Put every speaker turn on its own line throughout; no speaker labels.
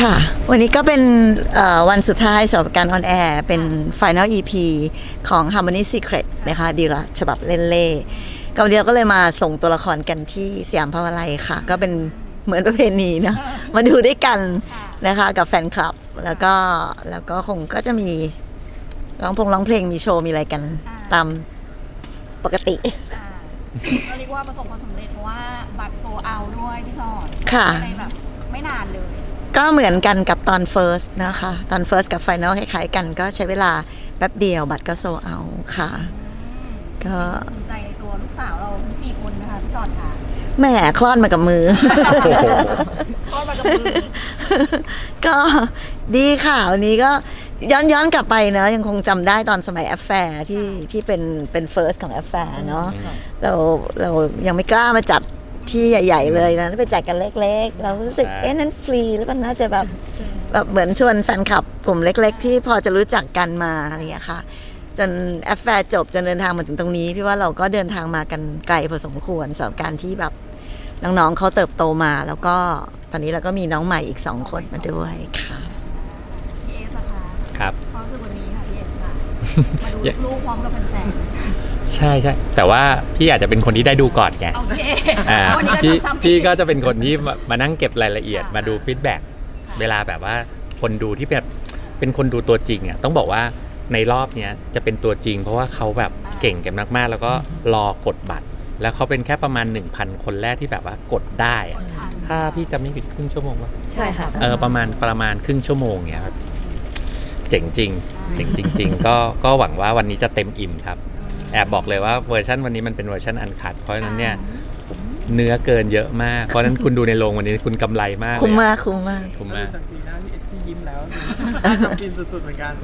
ค่ะวันนี้ก็เป็นวันสุดท้ายสำหรับการออนแอร์เป็น Final EP ของ Harmony Secret นะคะดีละฉบับเล่นเล่ก็วันนี้เราก็เลยมาส่งตัวละครกันที่สยามพาวาไลย์ค่ะก็เป็นเหมือนประเพณีนะมาดูด้วยกันนะคะกับแฟนคลับแล้วก็คงก็จะมีร้องเพลงมีโชว์มีอะไรกันตามปกติ
ก็เรียกว่าประสบความสำเร็จเพราะว่าบัตรโซเอาด้วยพี่ชอด
ค่ะ
ในแบบไม่นานเลย
ก็เหมือนกันกับตอน First นะคะตอน First กับ Final คล้ายๆกันก็ใช้เวลาแป๊บเดียวบัตรก็โซเอาค่ะก็
ภูมิใจในตัวลูกสาวเราทั้ง4 คนนะคะพี่ชอดค่ะ
แหมคลอดมากับมือ
คลอดมากับมือ
ก็ดีค่ะวันนี้ก็ย้อนกลับไปเนอะยังคงจำได้ตอนสมัยแอฟแฟร์ที่เป็นเฟิร์สของแอฟแฟร์เนาะเรายังไม่กล้ามาจัดที่ใหญ่ๆเลยนะไปจัดกันเล็กๆเรารู้สึกนั้นฟรีหรือเปล่าน่าจะแบบเหมือนชวนแฟนคลับกลุ่มเล็กๆที่พอจะรู้จักกันมาอะไรอย่างเงี้ยค่ะจนแอฟแฟร์จบจนเดินทางมาถึงตรงนี้พี่ว่าเราก็เดินทางมากันไกลพอสมควรสำหรับการที่แบบน้องๆเขาเติบโตมาแล้วก็ตอนนี้เราก็มีน้องใหม่อีก2 คนมาด้วยค่ะ
พี่เอสค่ะ
ครับ
ความรู้สึกวันนี้ค่ะพี่เอสค่ะมาดูลูกพร้อมกับแฟน
ใช่แต่ว่าพี่อาจจะเป็นคนที่ได้ดูก่อนไง
โอเค
พี่ก็จะเป็นคนที่มานั่งเก็บรายละเอียดมาดูฟีดแบ็กเวลาแบบว่าคนดูที่แบบเป็นคนดูตัวจริงอ่ะต้องบอกว่าในรอบเนี้ยจะเป็นตัวจริงเพราะว่าเขาแบบเก่งกันมากๆแล้วก็รอกดบัตรแล้วเขาเป็นแค่ประมาณ 1,000 คนแรกที่แบบว่ากดได้ถ้าพี่จะไม่ผิดครึ่งชั่วโมงป่ะ
ใช่ค่ะ
ประมาณครึ่งชั่วโมงเนี้ยครับเจ๋งจริงก็หวังว่าวันนี้จะเต็มอิ่มครับแอบบอกเลยว่าเวอร์ชันวันนี้มันเป็นเวอร์ชันอันคัทเพราะฉะนั้นเนี่ยเนื้อเกินเยอะมากเพราะฉะนั้นคุณดูในโรงวันนี้คุณกำไรมาก
คุ้มมาก
จากสีหน้าที่ยิ้มแล้วทำกินสุดๆเหมือนกัน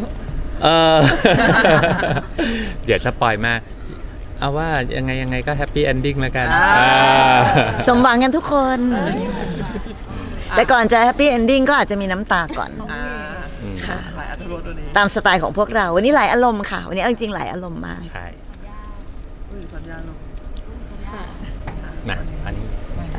เดี๋ยวสปอยมากเอาว่ายังไงก็แฮปปี้เอนดิ้งแล้วกัน
สมหวังกันทุกคนแต่ก่อนจะแฮปปี้เอนดิ้งก็อาจจะมีน้ำตาก่อนค่ะตามสไตล์ของพวกเราวันนี้หลายอารมณ์ค่ะวันนี้จริงๆหลายอารมณ์มาก
ใช่
สัญญาลง
นะอันนี้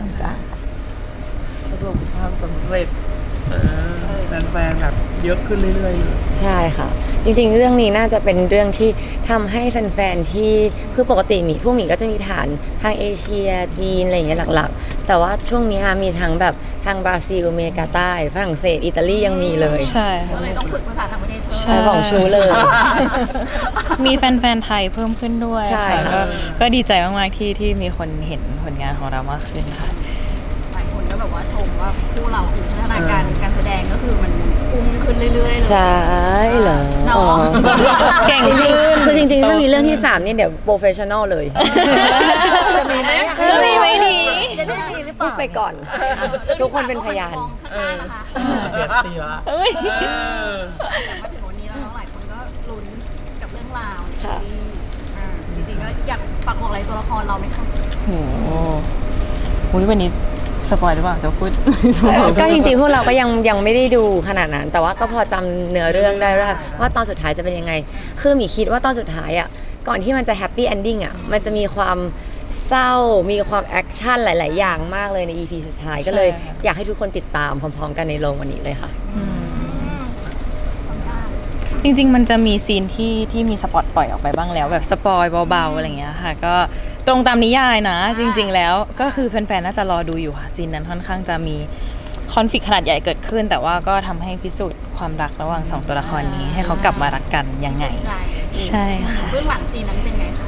ประสบความสำเร็จแฟนๆแบบเยอะขึ้นเรื่อยๆ
ใช่ค่ะจริงๆเรื่องนี้น่าจะเป็นเรื่องที่ทำให้แฟนๆที่คือปกติพวกหมีก็จะมีฐานทางเอเชียจีนอะไรอย่างเงี้ยหลักๆแต่ว่าช่วงนี้มีทั้งแบบทางบราซิลอเมริกาใต้ฝรั่งเศสอิตาลียังมีเลย
ใช่
ก็เลยต้องฝึกภาษาต่างประเทศ
ใช่บอกชูเลย
มีแฟนๆไทยเพิ่มขึ้นด้วย
ใช่ค่ะ
ก็ดีใจมากๆที่มีคนเห็นผลงานของเรามากขึ้นค่ะ
หลายคนก็แบบว่าชมว่าคู่เราคือพัฒนาการแสดงก็คือมันพุ่งขึ้นเรื่อยๆ
ใช่เหรอ
เก่งขึ้น
คือจริงๆถ้ามีเรื่องที่3เนี่ยเดี๋ยวโปรเฟชชั่นอลเลย
จะมีไหมจะได้มีหรือเปล่า
ไปก่อนทุกคนเป็นพยาน
เดือดตีละ
แต่มาถึงวันนี้แล้วหลายคนก็ลุ้นกับเรื่องราวจริงๆก็อยากฝากบอกอะไรตัวละครเราไหมคะ
โอ้โหวันนี้สปอยหรือเปล่าจะพูด
ก็จริงๆพวกเราก็ยังไม่ได้ดูขนาดนั้นแต่ว่าก็พอจำเนื้อเรื่องได้ว่าตอนสุดท้ายจะเป็นยังไงคือมีคิดว่าตอนสุดท้ายอ่ะก่อนที่มันจะแฮปปี้เอนดิ้งอ่ะมันจะมีความเศร้ามีความแอคชั่นหลายๆอย่างมากเลยใน EP สุดท้ายก็เลยอยากให้ทุกคนติดตามพร้อมๆกันในโรงวันนี้เลยค่ะ
จริงๆมันจะมีซีนที่มีสปอตปล่อยออกไปบ้างแล้วแบบสปอยเบาๆอะไรเงี้ยค่ะก็ตรงตามนิยายนะจริงๆแล้วก็คือแฟนๆน่าจะรอดูอยู่ค่ะซีนนั้นค่อนข้างจะมีคอนฟลิกต์ขนาดใหญ่เกิดขึ้นแต่ว่าก็ทำให้พิสูจน์ความรักระหว่าง2ตัวละครนี้ให้เขากลับมารักกันยังไงใช่ค่ะ
เบื้องหลังซีนนั้นเป็นไงคะ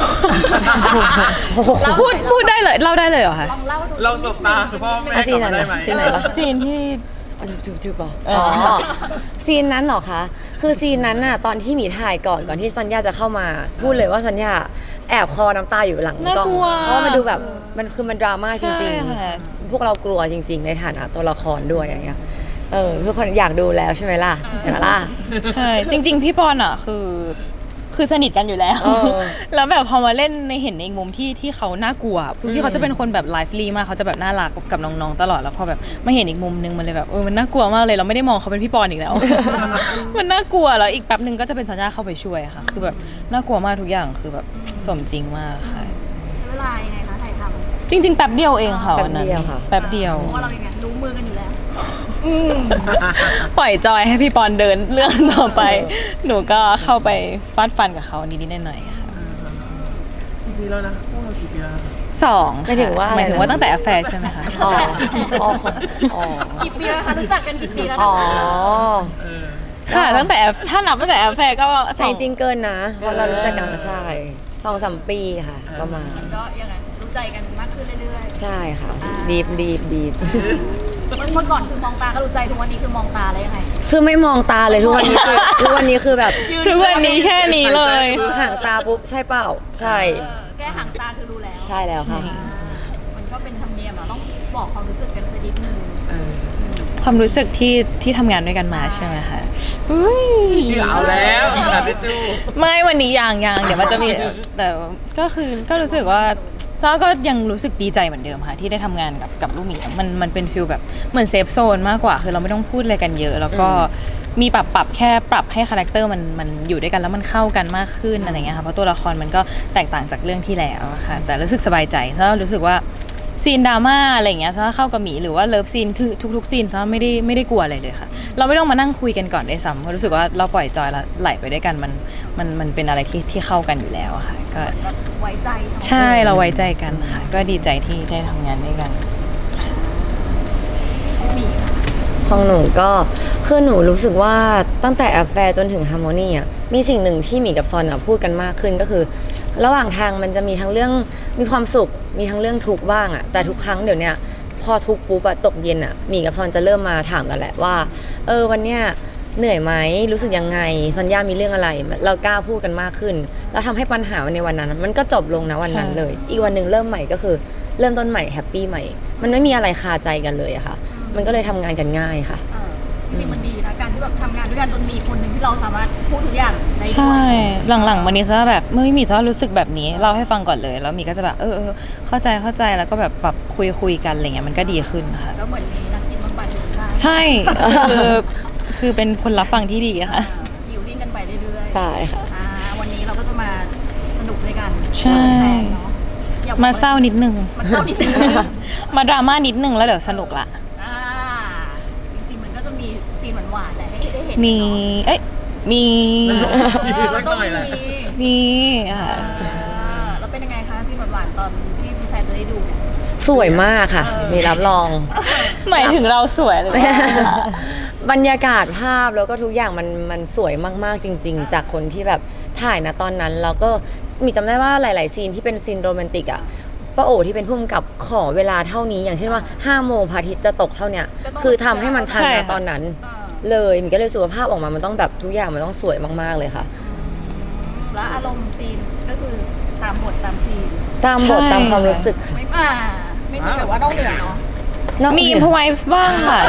พูดได้เลยเล่าได้เลยเหรอคะ
เราสบตาพ่อแม่
ซีนไหนซีนไหนปะ
ซีนที่
จูบซีนนั้นเหรอคะคือซีนนั้นน่ะตอนที่หมีถ่ายก่อนที่ซอนยาจะเข้ามาพูดเลยว่าซอนยาแอบคอน้ำตาอยู่หลังกล้องเพราะมันดูแบบมันดราม่าจริงๆพวกเรากลัวจริงๆในฐานะตัวละครด้วยอย่างเงี้ยทุกคนอยากดูแล้วใช่ไหมล่ะ
ใช่จริงๆพี่ปอนอ่ะคือสนิทกันอยู่แล้วแล้วแบบพอมาเล่นในเห็นในมุมที่เขาน่ากลัวคือพี่เขาจะเป็นคนแบบไลฟ์ลีมากเขาจะแบบน่ารักกับน้องๆตลอดแล้วพอแบบมาเห็นอีกมุมนึงมันเลยแบบมันน่ากลัวมากเลยเราไม่ได้มองเขาเป็นพี่ปอนอีกแล้วมันน่ากลัวแล้วอีกแป๊บนึงก็จะเป็นสัญญาเข้าไปช่วยค่ะคือแบบน่ากลัวมากทุกอย่างคือแบบสมจริงมากค่ะ
ใช้เวลายังไงคะถ่ายทำ
จริงๆแป๊บเดียวเองค่ะวันนั้นแป๊บเดียว
เพราะเราอย่างงั้นรู้มือกันอยู่แล้ว
ปล่อยจอยให้พี่ปอนเดินเรื่องต่อไป หนูก็เข้าไปฟาดฟันกับเขานิดๆหน่อยๆค่ะ
กี่ปีแล้วนะพวกเรากี่ปีแล้วนะ
สอง
หมายถึงว่า
หมายถึงว่าตั้งแต่แฟร์ใช่ไหมคะ
อ๋ออ๋ออ๋อ
กี่ปีแล้วคะรู้จักกันกี่ปีแล้ว
อ๋อ
เออ
ค่ะตั้งแต่ถ้านับตั้งแต่แฟร์ก็
ใช่จริงเกินนะเพราะเรารู้จักกันมาใช่2-3 ปีค่ะประมาณ
ก็ยังไงรู้ใจกันมากขึ้นเรื่อย
ใช่ค่ะดีฟ
ๆเมื่อก่อนคือมองตาก็รู้ใจทุกวันนี้คือมองตาแล้วยังไง
คือไม่มองตาเลยทุกวันนี้คือทุกวันนี้คือแบบ
ทุกวันนี้แค่นี้เลย
ห่างตาปุ๊บใช่เปล่าใช่
แค่ห่างตาคือรู้แล้ว
ใช่แล้วค่ะ
มันก็เป็นธรรมเนียมเราต้องบอกความรู้สึกกันสักนิดนึง
เออ
ความรู้สึกที่ทำงานด้วยกันมาใช่ไหมคะอุ๊ย
เอาแล้วกระดาษทิชชู่
ไม่วันนี้ยังเดี๋ยวมันจะมีแต่ก็รู้สึกว่าจ้าก็ยังรู้สึกดีใจเหมือนเดิมค่ะที่ได้ทำงานกับลูกหมีมันเป็นฟิลแบบเหมือนเซฟโซนมากกว่าคือเราไม่ต้องพูดอะไรกันเยอะ แล้วก็มีปรับแค่ปรับให้คาแรคเตอร์มันอยู่ด้วยกันแล้วมันเข้ากันมากขึ้นอะไรเงี้ยค่ะเพราะตัวละครมันก็แตกต่างจากเรื่องที่แล้วอะค่ะแต่รู้สึกสบายใจเพราะรู้สึกว่าซีนดราม่าอะไรเงี้ยถ้าเข้ากับหมีหรือว่าเลิฟซีนทุกซีนถ้าไม่ได้กลัวอะไรเลยค่ะเราไม่ต้องมานั่งคุยกันก่อนได้ซ้ำเพราะรู้สึกว่าเราปล่อยจอยแล้วไหลไปด้วยกันมันเป็นอะไรที่เข้ากันอยู่แล้วอะค่ะก็
ไว้ใจเนอะ
ใช่เราไว้ใจกันค่ะ ก็ดีใจที่ได้ทำงานด้วยกัน
มีค่ะ
ของหนูก็คือหนูรู้สึกว่าตั้งแต่แอฟแฟร์จนถึงฮาร์โมนีอ่ะมีสิ่งหนึ่งที่หมีกับซอนอ่ะพูดกันมากขึ้นก็คือ ระหว่างทางมันจะมีทั้งเรื่องมีความสุขมีทั้งเรื่องทุกข์บ้างอ่ะแต่ทุกครั้งเดี๋ยวเนี้ยพอทุกข์ปุ๊บอะตกเย็นอ่ะหมีกับซอนจะเริ่มมาถามกันแหละว่าวันเนี้ยเหนื่อยไหมรู้สึกยังไงซอนย่ามีเรื่องอะไรเรากล้าพูดกันมากขึ้น แล้วทำให้ปัญหาในวันนั้นมันก็จบลงนะวันนั้น
ใช่
เลย อีกวันหนึ่งเริ่มใหม่ก็คือเริ่มต้นใหม่แฮปปี้ใหม่มันไม่มีอะไรคาใจกันเลยอะค่ะ มันก็เลยทำงานกันง่ายค่ะ
จริงๆมันดีนะการที่แบบทำงานด้วยกันจนมีคนหนึ่งที่เราสามารถพูดทุกอย่างได้ด้วย
ใช่หลังๆวันนี้ซะแบบเมื่อมีซะรู้สึกแบบนี้เล่าให้ฟังก่อนเลย แล้วมีก็จะแบบเข้าใจแล้วก็แบบปรับคุยกันอะไรเงี้ยมันก็ดีขึ้นค่ะ
แล้วเหมือนมีนักจิตบำบัดอยู่ข้างๆ
ใช่ คือเป็นคนรับฟังที่ดีอะค่ะ
อยู่ดิ้นกันไปเรื่อยๆ
ใช่ค่ะ
วันนี้เราก็จะมาสนุกด้วยกัน
ใช่
แฟนๆเนาะอย่บอก
มาเศร้านิดนึง
มาเศร้านิดนึง
มาดราม่านิดนึงแล้วเดี๋ยวสนุกละ
อ่าจริงๆมันก็จะมีซีนหวานๆแหละให้ได้เห็น
มี
เนาะ
มี
มันต้องมี
มีค่ะ
แล้วเป็นยังไงคะซีนหวานๆตอนที่แฟนๆจะได้ดูเนี่ย
สวยมากค่ะ มีรับรอง
หมายถึงเราสวยหรือเปล่า
บรรยากาศภาพแล้วก็ทุกอย่างมันสวยมากๆจริง ๆ จากคนที่แบบถ่ายนะตอนนั้นแล้วก็มีจำได้ว่าหลาย ๆ ซีนที่เป็นซีนโรแมนติกอ่ะป้าโอที่เป็นผู้กำกับขอเวลาเท่านี้ อย่างเช่นว่า5 โมงพระอาทิตย์จะตกเท่าเนี้ยคือทำให้มันทัน
ใช่
นะ
ค่ะ
ตอนนั้น เลยมีก็เลยรู้สึกว่าภาพออกมามันต้องแบบทุกอย่างมันต้องสวยมากๆเลยค่ะ
แล้วอารมณ์ซีนก็คือตามบทตามซีน
ตามบทตามความรู้สึกค่ะ
ไม่มีแบบว่านอกเหนือเนาะ
มีพไว้บ้างค่ะ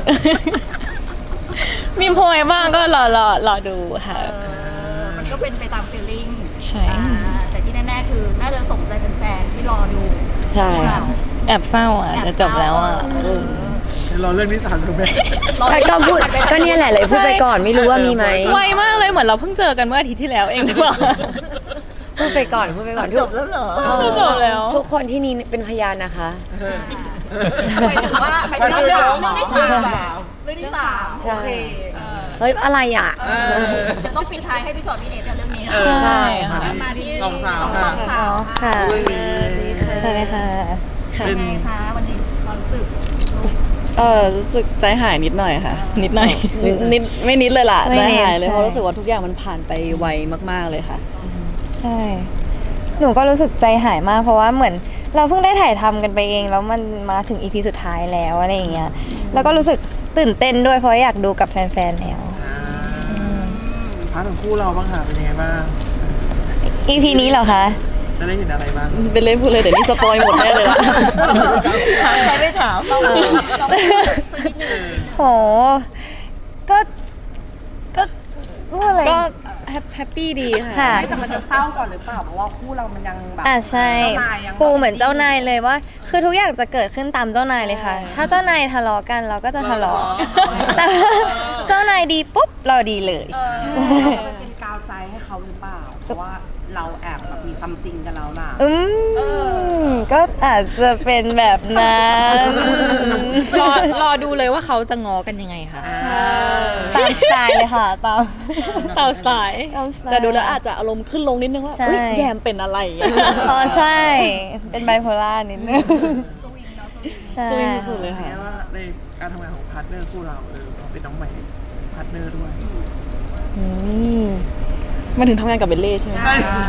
มีพไว้บ้างก็รอดูค่ะ
มันก็เป็นไปตามฟีลลิ่ง
ใช่
แต่ที่แน่ๆคือน่าจะสมใจเป็นแฟนๆที่รอดู
ใช่
พวก
ค่ะ
เรา
แอบเศร้าอ่ะจะจบแล้วอ่ะ
เราเรื่องที่สามถูกไหม
ก็พูดก็เนี่ยแหละเลยพูดไปก่อนไม่รู้ว่ามีไหม
ไวมากเลยเหมือนเราเพิ่งเจอกันเมื่ออาทิตย์ที่แล้วเองหรือเปล่า
พูดไปก่อน
จบแล้วเหรอ
จบแล้ว
ทุกคนที่นี่เป็นพยานนะคะ
หมายถึงว่าหมายถึงเรื่องที่สามเรื่องที่สาม
ใช่
โอเค
เฮ้ยอะไรอ่ะ
จะต้องปิดท้ายให้พี่ชอตพี่เนทกับเรื่องนี้
ใช่ค่ะ
มาที่
สองสาว
สองสาว
ค่ะ
เรื่องนี้
สวัสดีค่ะ
เป็นไงคะวันนี้ความรู้สึก
รู้สึกใจหายนิดหน่อยค่ะ
นิดหน่อย
นิดไม่นิดเลยล่ะ
ไม่
ใจ
นิด
หายเลย
ใช่
เพราะรู้สึกว่าทุกอย่างมันผ่านไปไวมากๆเลยค่ะ
ใช่ หนูก็รู้สึกใจหายมากเพราะว่าเหมือนเราเพิ่งได้ถ่ายทำกันไปเองแล้วมันมาถึงอีพีสุดท้ายแล้วอะไรอย่างเงี้ย แล้วก็รู้สึกตื่นเต้นด้วยเพราะอยากดูกับแฟนๆแล้ว
พาร์ทของคู่เราบ้างค่ะเป็นยังไงบ้าง
อีพีนี้เหรอคะ
จะได้เห็นอะไรบ้าง
เป็นเล่นพูดเลยเดี๋ยวนี้สปอยหมดแน่เลยล่ะ
ถามใครไม่ถาม
โห ก็พูดอะไร
ก็แฮปปี้ดีค่ะ
ค่ะ
แต่มันจะเศร้าก่อนหรือเปล่า เพราะว่าคู่เรามันยังแบบ
ใช่
เจ้านายยัง
ปูเหมือนเจ้านายเลยว่า คือทุกอย่างจะเกิดขึ้นตามเจ้านายเลยค่ะ ถ้าเจ้านายทะเลาะกันเราก็จะทะเลาะแต่ว่าเจ้านายดีปุ๊บเราดีเลย
มันเป็นกาวใจให้เขาหรือเปล่า เพราะว่าเราแอบแบบมีซัมติงกันแล้วล่ะ
ก็อาจจะเป็นแบบนั้น
รอดูเลยว่าเขาจะง้อกันยังไงค่ะ
ตามสไตล์เลยค่ะตาม
ตามสไตล์
แต่ดูแล้วอาจจะอารมณ์ขึ้นลงนิดนึงว่า
ใช่
อุ๊ยแยมเป็นอะไรอย่างเงี้ย
อ๋อใช่ เป็นไบโพล่านิดนึงใช่
สวิงสุดเลยค่ะ
แค่ว่าในการทำงานของพาร์ทเนอร์คู่เราเราเป็นน้องใหม่พาร์ทเนอร์ด้วย
มันถึงทำงานกับเบลเล่ใช่ไหม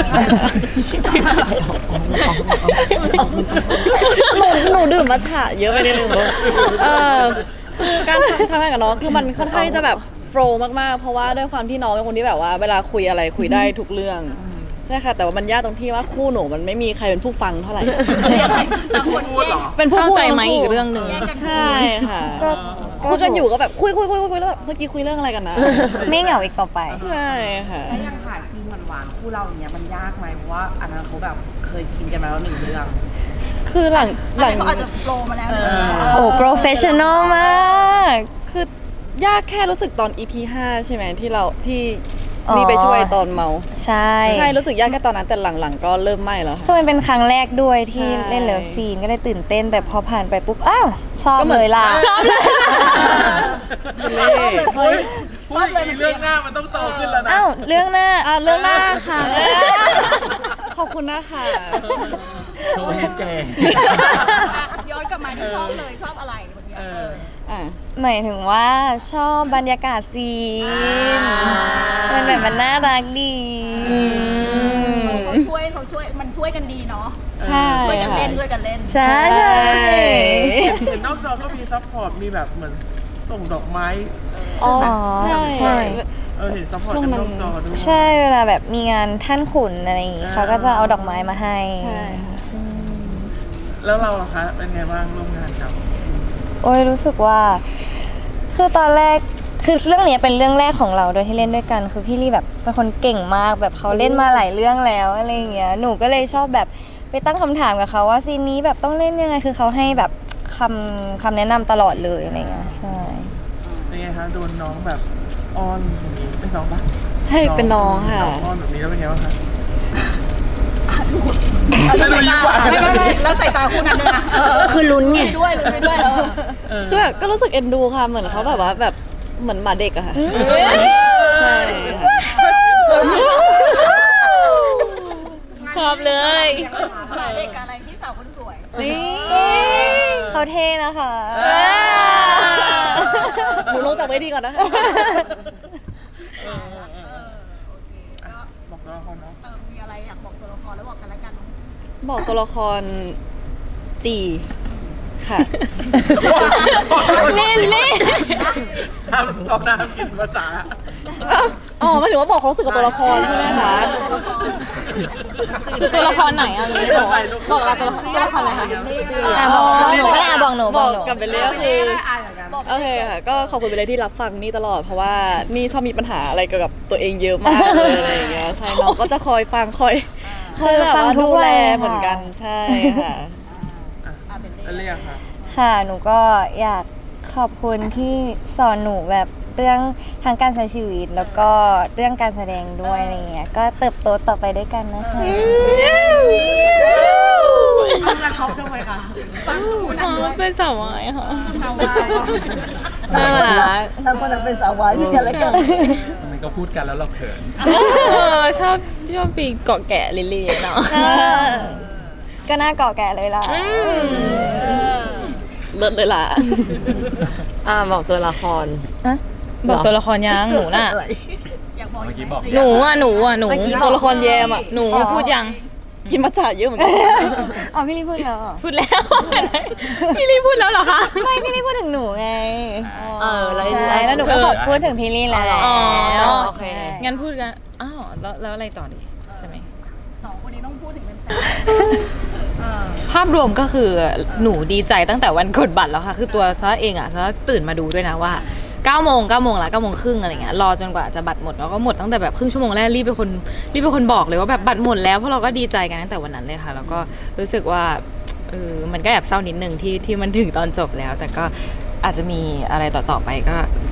หนูดื่มมัทฉะเยอะไปนิดนึงคือการทำงานกับน้องคือมันค่อนข้างที่จะแบบโฟล์มากๆเพราะว่าด้วยความที่น้องเป็นคนที่แบบว่าเวลาคุยอะไรคุยได้ทุกเรื่องใช่ค่ะแต่ว่ามันยากตรงที่ว่าคู่หนูมันไม่มีใครเป็นผู้ฟังเท่าไหร่
พูดเหรอ
เป็นผู้
เข้า
พูด
ใจไหม
ทั้งคู่
อีกเรื่องหนึ่ง
ใช่ค่ะคุยกันอยู่ก็แบบคุยแล้วแบบเมื่อกี้คุยเรื่องอะไรกันนะ
ไม่เหงาอีกต่อไป
ใช่ค่ะ
แล้วยังถ่ายซีนหวานๆคู่เราอย่างเงี้ยมันยากไหมเพราะว่าอันนั้นเขาแบบเคยชินกันมาแล้วหนึ่งเรื่อง
คือหลัง
เขาอาจจะโปรมาแล้วนะ
โอ้โปรเฟชชั่นอลมาก
คือยากแค่รู้สึกตอน EP 5 ใช่ไหมที่เราที่
อ๋อ
มีไปช่วยตอนเมา
ใช่
ใช่รู้สึกยากแค่ตอนนั้นแต่หลังๆก็เริ่มไม่แล้วค่ะ
คือมันเป็นครั้งแรกด้วยที่
ใช่
เล่นเลิฟซีนก็เลยตื่นเต้น แต่พอผ่านไปปุ๊บ อ้าว ชอบ
ก็เหมื
เล
อน
ยล่ะ
ชอบเลย
พูดอีกเรื่องหน้ามันต้องโตขึ้นแล้วนะ
อ้าว เรื่องหน้า
เรื่องหน้าค่ะ ขอบคุณนะคะ
โชว์ให้แก
ย้อนกลับมาที่ชอบเลยชอบอะไรเมื่อกี้
อ่ะ
หมายถึงว่าชอบบรรยากาศซีนมันแบบมันน่ารักดี
เขาช่วยมันช่วยกันดีเนาะ
ใช่
ช่วยกัน
ค่ะ
เล่นช่วยกันเล่น
ใช่ใช่
เห็นนอกจอก็มีซัพพอร์ตมีแบบเหมือนส่งดอกไม้
อ๋อ
ใช่
ใช่
เห็นซัพพอร์ต
ช่วง
กัน
นั้น
นอกจอด้วย
ใช่เวลาแบบมีงานท่านขุนอะไรอย่างงี้เขาก็จะเอาดอกไม้มาให้
ใช่ค่ะ
แล้วเราล่ะคะเป็นไงบ้างร่วมงานกับ
โอ้ยรู้สึกว่า คือตอนแรกคือเรื่องเนี้ยเป็นเรื่องแรกของเราโดยที่เล่นด้วยกันคือพี่ลี่แบบเป็นคนเก่งมากแบบเขาเล่นมาหลายเรื่องแล้วอะไรอย่างเงี้ยหนูก็เลยชอบแบบไปตั้งคำถามกับเขาว่าซีนนี้แบบต้องเล่นยังไงคือเขาให้แบบคำแนะนำตลอดเลยอะไรเงี้ยใช่
เป็นไงคะโดนน้องแบบอ้อนแบบนี้เป็นน้องปะ
ใช่เป็นน้องค่ะ
น้องอ้อนแบบนี้แล้วเป็นไงบ้างคะ
แล้วสายตาไม่แล้วสายตาคู่นั้นด้วยนะ
คือลุ้นไง
ด้วยลุ้นไปด้วยแล้ว
คือแบบก็รู้สึกเอ็นดูค่ะเหมือนเขาแบบว่าแบบเหมือนหมาเด็กอะค่ะใช่ค่ะ
ชอบเลย
เด็กอะไรพี่สาวคนสวย
นี่
เขาเท่นะคะ
หนูลงจากเวทีก่อนนะคะ
บอกตัวละครเนาะ
มีอะไรอยากบอกตัวละครแล้วบอกกันแล้วกัน
บอกตัวละครจีค่ะ
เล่น
ห้ามรอบหน้าห้ามกินภาษา
อ๋อหมายถึงว่าบอกความรู้สึกกับตัวละครใช่ไหมคะ
ตัวละครไหนอ่ะบอกเราตัวละครอะไรคะ
อ่ะบอกหนูก็ได้อ่ะบอกหนู
บบ อ
อก กหนู
กับเบลเล่ก็คือโอเคค่ะก็ขอบคุณเบลเล่ที่รับฟังนี่ตลอดเพราะว่านี่ชอบมีปัญหาอะไรเกี่ยวกับตัวเองเยอะมากเลยอะไรอย่างเงี้ยใช่น้องก็จะคอยฟังคอยแบบว่าดูแลเหมือนกันใช่ค่ะ
แล้วเรียกค่ะ
ค่ะ หนูก็อยากขอบคุณที่สอนหนูแบบเรื่องทางการใช้ชีวิต แล้วก็เรื่องการแสดงด้วยอะไรเงี้ย ก็เติบโตต่อไปด้วยกันนะคะ
แล้วเขาทำไมคะ
เป็นสาววายค่ะน่ารัก
ทั้งคนเป็นสาววายซึ่งกันและกัน
มันก็พูดกันแล้วเราเขิน
ชอบปีเกาะแกะลิลลี่เนาะ
ก็น่าเกาะแก่เลยล่ะ
เลิศเลยล่ะ
บอกตัวละคร
บอกตัวละครยังหนูน่ะ
อยากบอก
เมื่อกี้บอก
หนู
ตัวละครแยมอ่ะ
หนูพูดยัง
กินมัทฉะเยอะเหมือนกัน
อ๋อพี่ลี่พูดแล้วเหรอ
พูดแล้ว พี่ลี่พูดแล้วเหรอคะ
ไม่พี่ลี่พูดถึงหนูไง
แล้ว
ใช่แล้วหนูก็ขอพูดถึงพี่ลี่แล้ว
อ๋อ
โอเค
งั้นพูดกันอ้าวแล้วอะไรต่อดีใช่ไหม
สองคนนี้ต้องพูดถึงเป็นแฟน
ภาพรวมก็คือหนูดีใจตั้งแต่วันกดบัตรแล้วค่ะ คือตัวซะเองอ่ะซะตื่นมาดูด้วยนะว่า9 โมงละ9 โมงครึ่งอะไรเงี้ยรอจนกว่าจะบัตรหมดแล้วก็หมดตั้งแต่แบบครึ่งชั่วโมงแรกรีบเป็นคนบอกเลยว่าแบบบัตรหมดแล้วเพราะเราก็ดีใจกันตั้งแต่วันนั้นเลยค่ะแล้วก็รู้สึกว่ามันก็แอบเศร้านิดนึงที่มันถึงตอนจบแล้ว แต่ก็อาจจะมีอะไรต่อไปก็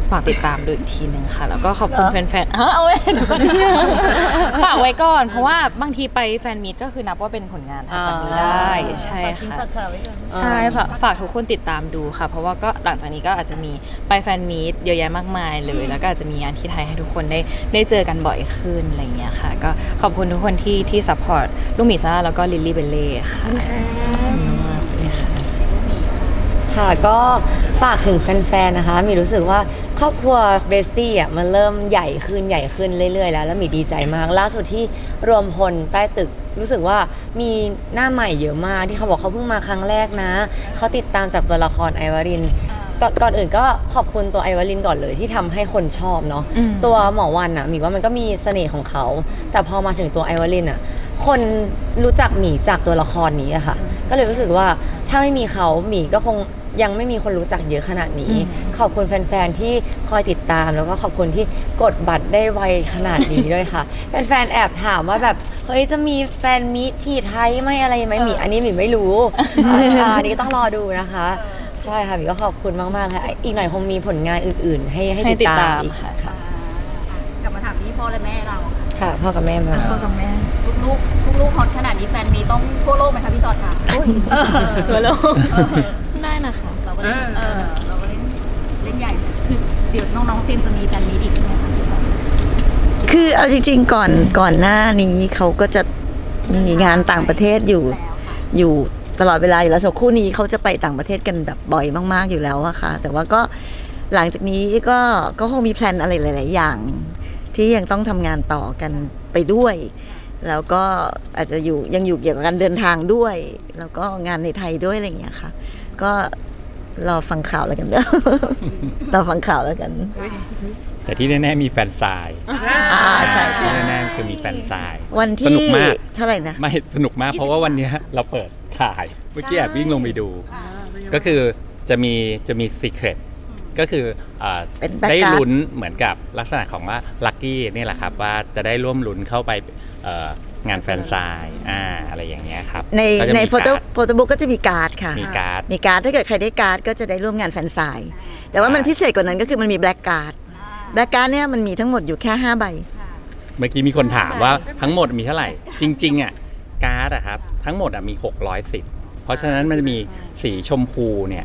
ฝากติดตามดูอีกทีหนึ่งค่ะ แล้วก็ขอบคุณแฟนๆเอาไว้เดี๋ยวก่อนฝากไว้ก่อนเพราะว่าบางทีไปแฟนมีตก็คือนับว่าเป็นผลงานทางจากนี้ได้ใช่ค่ะใช่ฝากทุกคนติดตามดูค่ะ เพราะว่าก็หลังจากนี้ก็อาจจะมีไปแฟนมีตเยอะแยะมากมายเลยแล้วก็อาจจะมีงานที่ไทยให้ทุกคนได้เจอกันบ่อยขึ้นอะไรอย่างเงี้ยค่ะก็ขอบคุณทุกคนที่ซัพพอร์ตลูกหมีซ่าแล้วก็ลิลลี่เบลเล่ค่ะขอบคุณมากเลยค่ะ
ค่ะก็ฝากถึงแฟนๆนะคะมีรู้สึกว่าครอบครัวเบสตี้อ่ะมันเริ่มใหญ่ขึ้นเรื่อยๆแล้วมีดีใจมากล่าสุดที่รวมพลใต้ตึกรู้สึกว่ามีหน้าใหม่เยอะมากที่เขาบอกเขาเพิ่งมาครั้งแรกนะเขาติดตามจากตัวละครไอวารินก่อนอื่นก็ขอบคุณตัวไอวารินก่อนเลยที่ทำให้คนชอบเนาะตัวหมอวันอ่ะหมีว่ามันก็มีเสน่ห์ของเขาแต่พอมาถึงตัวไอวารินอ่ะคนรู้จักหมีจากตัวละครนี้อะค่ะก็เลยรู้สึกว่าถ้าไม่มีเขาหมีก็คงยังไม่มีคนรู้จักเยอะขนาดนี้ขอบคุณแฟนๆที่คอยติดตามแล้วก็ขอบคุณที่กดบัตรได้ไวขนาดนี้ด้วยค่ะแฟนๆแอบถามว่าแบบเฮ้ยจะมีแฟนมีตที่ไทยไหมอะไรไหมหมีอันนี้หมีไม่รู้อันนี้ต้องรอดูนะคะใช่ค่ะหมีก็ขอบคุณมากๆค่ะอีกหน่อยคงมีผลงานอื่นๆให้ติดตามอีกค่ะ
กลับมาถามที่พ่อและแม่เรา
ค่ะพ่อกับแม่มา
พ่อกับแม่ลูกฮอตขนาดนี้แฟนมีต้องทั่วโลกไหมคะพี่ชอตค่ะทั่วโลก
ได้นะคะ
เราก็เล่นใหญ่คือเดี๋ยวน้องๆเตรียมจะมีแฟนมีอีกใช่ไหมคะพี่ชอต
คือเอาจริงๆก่อนหน้านี้เขาก็จะมีงานต่างประเทศอยู่ตลอดเวลาอยู่แล้วส่วนคู่นี้เขาจะไปต่างประเทศกันแบบบ่อยมากๆอยู่แล้วอะค่ะแต่ว่าก็หลังจากนี้ก็คงมีแพลนอะไรหลายๆอย่างที่ยังต้องทำงานต่อกันไปด้วยแล้วก็อาจจะยังอยู่เกี่ยวกับการเดินทางด้วยแล้วก็งานในไทยด้วยอะไรอย่างเงี้ยค่ะก็รอฟังข่าวแล้วกันเด้อ รอฟังข่าวแล้วกัน
แต่ที่แน่ๆมีแฟนซาย
ใช่ใช่
แน่ๆคือมีแฟนซาย
วันที่เท่าไหร่นะ
ไม่สนุกมากเพราะว่าวันนี้เราเปิดถ่ายเมื่อกี้แอบวิ่งลงไปดูก็คือจะมีซีเครตก็คือได้ลุ้นเหมือนกับลักษณะของว่าลัคกี้นี่แหละครับว่าจะได้ร่วมลุ้นเข้าไปงานแฟนไซน์อะไรอย่างเงี้ยครับ
ในโฟโต้บุ๊กก็จะมีการ์ดค่ะ
มีการ์
ดถ้าเกิดใครได้การ์ดก็จะได้ร่วมงานแฟนไซน์แต่ว่ามันพิเศษกว่านั้นก็คือมันมีแบล็กการ์ดเนี่ยมันมีทั้งหมดอยู่แค่5 ใบ
เมื่อกี้มีคนถามว่าทั้งหมดมีเท่าไหร่จริงๆอ่ะการ์ดอะครับทั้งหมดมี600 สิทธิ์เพราะฉะนั้นมันจะมีสีชมพูเนี่ย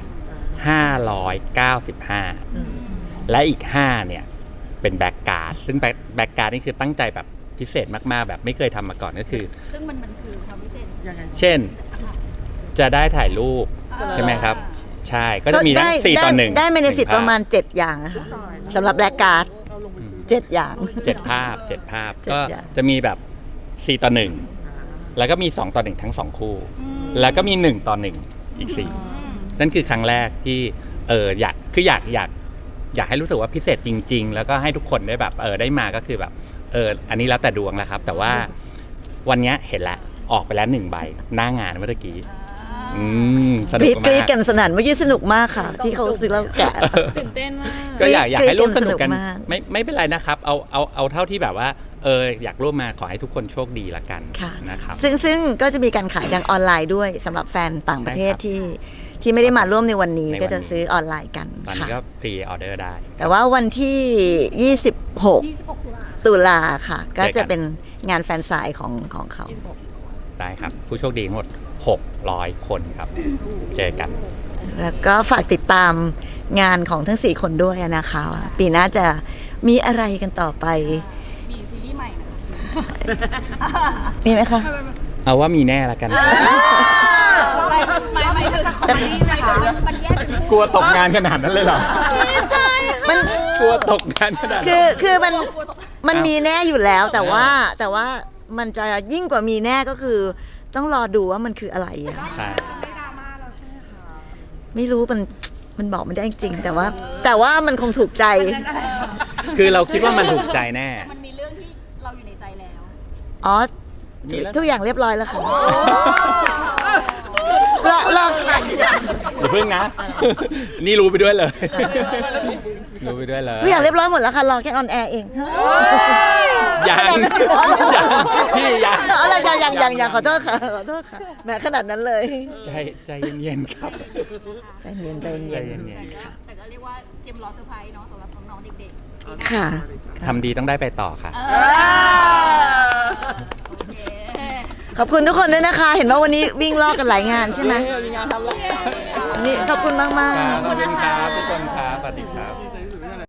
595และอีก5เนี่ยเป็นแบ็กการ์ดซึ่งแบ็กการ์ดนี่คือตั้งใจแบบพิเศษมากๆแบบไม่เคยทำมาก่อนก็คือ
ซึ่งมันคือความพิเศษ
เช่นจะได้ถ่ายรูปใช่ไหมครับใช่ก็จะมีทั้ง4 ต่อ 1
ได้เบเนฟิตประมาณ7 อย่างค่ะสำหรับแบ็กการ์ด7 อย่าง
7 ภาพก็จะมีแบบ4 ต่อ 1แล้วก็มี2 ต่อ 1ทั้ง2คู่แล้วก็มี1 ต่อ 1อีก4นั่นคือครั้งแรกที่อยากให้รู้สึกว่าพิเศษจริงๆแล้วก็ให้ทุกคนได้แบบได้มาก็คือแบบอันนี้แล้วแต่ดวงแล้วครับแต่ว่าวันนี้เห็นแล้วออกไปแล้ว1 ใบหน้างานเมื่อกี้สนุกมาก
กรี๊ดกันสนั่นเมื่อกี้สนุกมากค่ะที่เขาซื้อแล้วแกะ
ตื่นเต้นมาก
ก็อยากให้ร่วมสนุกกันไม่เป็นไรนะครับเอาเท่าที่แบบว่าอยากร่วมมาขอให้ทุกคนโชคดีละกันนะครับ
ซึ่งก็จะมีการขายทางออนไลน์ด้วยสำหรับแฟนต่างประเทศที่ไม่ได้มาร่วมในวันนี้ก็จะซื้อออนไลน์กัน
ตอนนี้ก็พรีออเดอร์ได้
แต่ว่าวันที่26 ตุลาค่ะก็จะเป็นงานแฟนไซน์ของเขา
ได้ครับผู้โชคดีทั้งหมด600 คนครับเจอกัน
แล้วก็ฝากติดตามงานของทั้ง4 คนด้วยนะคะปีหน้าจะมีอะไรกันต่อไป
มีซีรีส์ใหม่
มีไหมคะ
เอาว่ามีแน่ละกัน
ไม่ถึงมันแยก
กลัวตกงานขนาดนั้นเลยเหรอมันกลัวตกงานขนาด
คือมันมีแน่อยู่แล้วแต่ว่ามันจะยิ่งกว่ามีแน่ก็คือต้องรอดูว่ามันคืออะไร
ใช่
ไม่รู้มันบอกไม่ได้จริงแต่ว่ามันคงถูกใจ
คือเราคิดว่ามันถูกใจแน่
มันมีเรื่องที่เราอยู่ในใจแล้ว
อ๋อทุกอย่างเรียบร้อยแล้วค่ะลอง
อย่าเพิ่งนะนี่รู้ไปด้วยเลยรู้ไปด้วยเลย
ทุกอย่างเรียบร้อยหมดแล้วค่ะ รอแค่ออนแอร์เอง
ยังพี่ยัง
อะไรยังขอโทษค่ะขอโทษค่ะแหมขนาดนั้นเลย
ใจเย็นๆครับ
ใจเย็น
ใจ
ๆ
เย็นๆครับ
แต่ก็เรียกว่าเตรียมรอเซอร์ไพรส์เนาะสำหรับน้องๆเด็กๆ
ค่ะ
ทำดีต้องได้ไปต่อค่ะ
โอเค
ขอบคุณทุกคนด้วยนะคะ เห็นว่าวันนี้วิ่งลอกกันหลายงานใช่ไหม
มีงานทำแล้ว
วันนี้ขอบคุณมากๆ
ขอบคุณครับทุกคนครับสวัสดีครับ